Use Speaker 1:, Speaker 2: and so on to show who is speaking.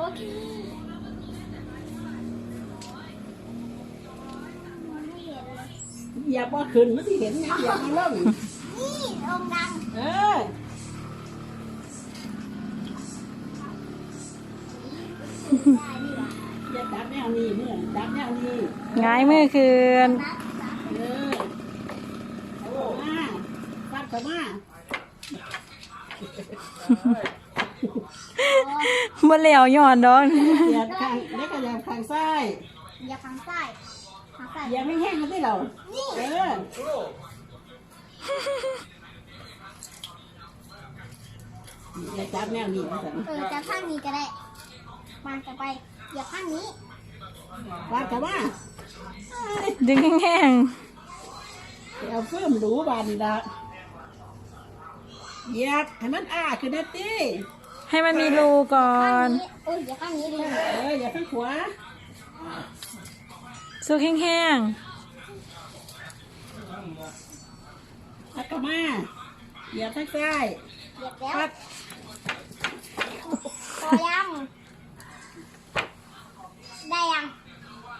Speaker 1: เคมันไม่เห็นเลย
Speaker 2: เหยียบว่าขึ้นมันที่เห็นไงเหยียบมาล่อง
Speaker 1: นี่ลงดัง
Speaker 2: เอออย่าจับแนวนี้เมื่อจับแนวนี้
Speaker 3: ง่ายมือคืน
Speaker 2: เออเอาออกมาฟัดเข้ามา
Speaker 3: บ่แล้วย้อนดอก
Speaker 2: เหยียบข้างเล็กก็เหยียบข้างซ้าย
Speaker 1: อย่าทางซ้ายทางซ้าย
Speaker 2: เหยียบไม่แห้งมันได้เรา
Speaker 1: นี่
Speaker 2: เอออย่าจับแนวนี้นะสัน
Speaker 1: จะข้างนี้ก็ได้มันจะไปอย่าข้างนี้
Speaker 2: ฟัดเข้ามา
Speaker 3: ดึงแห้ง
Speaker 2: เอาเพิ่มหรูบานละเหยียบให้มันขึ้นนะตี
Speaker 3: ๆให้มันมีรูก่อน
Speaker 1: โอ้ยอย่าข้างนี้ดิ
Speaker 2: อย่าข้างขวา
Speaker 3: สุกแห้ง
Speaker 2: ฟัดเข้ามาเหยียบข้างซ้าย
Speaker 1: เหยียบแล้ว
Speaker 2: ฟัด
Speaker 1: พอแล้ว